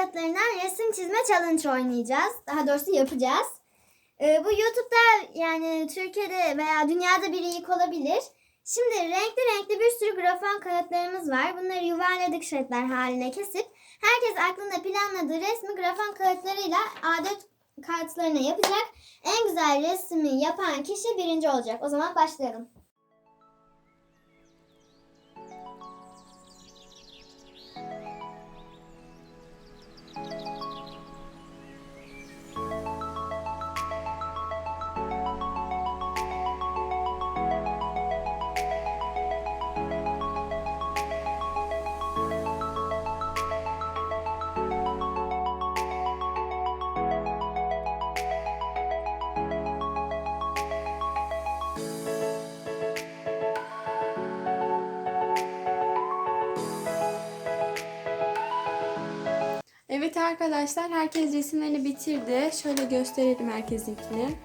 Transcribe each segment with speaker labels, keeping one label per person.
Speaker 1: kağıtlarından resim çizme challenge oynayacağız. Daha doğrusu yapacağız. Bu YouTube'da yani Türkiye'de veya dünyada bir ilk olabilir. Şimdi renkli bir sürü grafon kağıtlarımız var. Bunları yuvarladık şeritler haline kesip herkes aklında planladığı resmi grafon kağıtlarıyla adet kağıtlarına yapacak. En güzel resmi yapan kişi birinci olacak. O zaman başlayalım.
Speaker 2: Evet arkadaşlar, herkes resimlerini bitirdi. Şöyle gösterelim herkesinkini.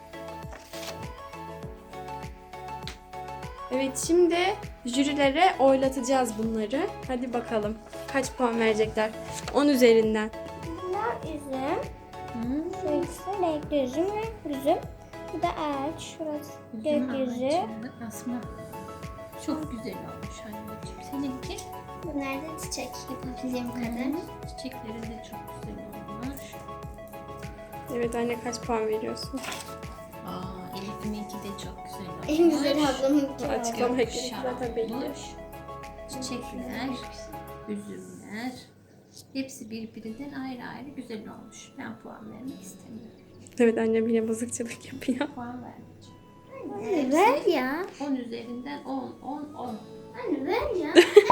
Speaker 2: Evet, şimdi jürilere oylatacağız bunları. Hadi bakalım kaç puan verecekler 10 üzerinden.
Speaker 1: Bunlar üzüm. Şurası renkli üzüm. Bu da ağaç. Şurası gökyüzü.
Speaker 3: Asma. Çok güzel olmuş anneciğim. Seninki?
Speaker 1: Bunlar da çiçek yapabildiğim kadar.
Speaker 3: Çiçekleri de çok güzel olmuş.
Speaker 2: Evet anne, kaç puan veriyorsun?
Speaker 3: Elif'ininki de çok güzel olmuş.
Speaker 1: En güzel ablamınki.
Speaker 2: Açıklama ekledik zaten belli.
Speaker 3: Olmuş. Çiçekler, üzümler. Hepsi birbirinden ayrı ayrı güzel olmuş. Ben puan vermek istemiyorum.
Speaker 2: Evet, annem yine bozukçılık yapıyor.
Speaker 3: Puan vermeyeceğim.
Speaker 1: Anne ver ya.
Speaker 3: 10 üzerinden 10.
Speaker 1: Anne ver ya.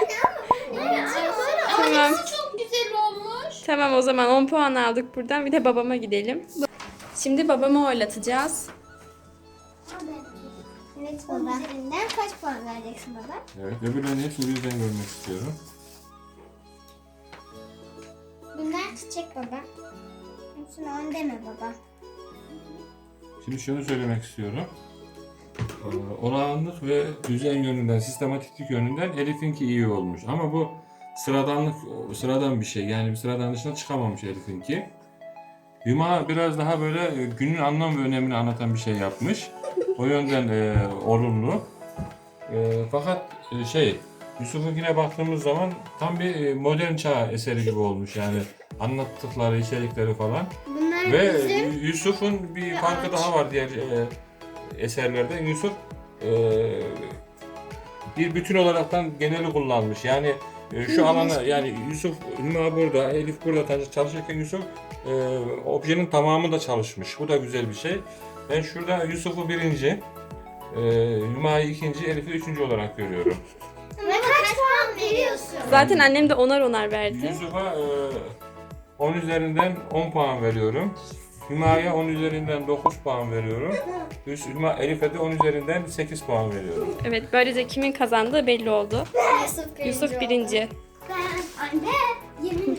Speaker 2: Tamam.
Speaker 3: Çok güzel olmuş.
Speaker 2: Tamam, o zaman 10 puan aldık buradan. Bir de babama gidelim. Şimdi babamı oylatacağız.
Speaker 1: Evet baba. Üzerinden kaç puan vereceksin baba?
Speaker 4: Evet, öbürlerini hepsini birden görmek istiyorum.
Speaker 1: Bunlar çiçek baba. Hepsine 10 deme baba.
Speaker 4: Şimdi şunu söylemek istiyorum. Olağanlık ve düzen yönünden, sistematiklik yönünden Elif'inki iyi olmuş. Ama bu sıradan bir şey. Yani bir sıradan dışına çıkamamış Elif'inki. Hüma biraz daha böyle günün anlam ve önemini anlatan bir şey yapmış. O yönden olumlu. Fakat Yusuf'unkine baktığımız zaman tam bir modern çağ eseri gibi olmuş yani anlattıkları, içerikleri falan.
Speaker 1: Bunlar
Speaker 4: Ve
Speaker 1: üzüm.
Speaker 4: Yusuf'un bir farkı
Speaker 1: ağaç.
Speaker 4: daha var diğer eserlerde. Yusuf bir bütün olaraktan geneli kullanmış. Yani şu alana, yani Yusuf, Hüma burada, Elif burada çalışırken Yusuf objenin tamamı da çalışmış. Bu da güzel bir şey. Ben şurada Yusuf'u birinci, Hüma'yı ikinci, Elif'i üçüncü olarak görüyorum.
Speaker 1: Ve kaç puan veriyorsun?
Speaker 2: Zaten annem de onar verdi.
Speaker 4: Yusuf'a 10 üzerinden 10 puan veriyorum. Hüma'ya 10 üzerinden 9 puan veriyorum. Elif'e de 10 üzerinden 8 puan veriyorum.
Speaker 2: Evet, böylece kimin kazandığı belli oldu.
Speaker 1: Yusuf
Speaker 2: Yusuf birinci.
Speaker 1: Ben anne 20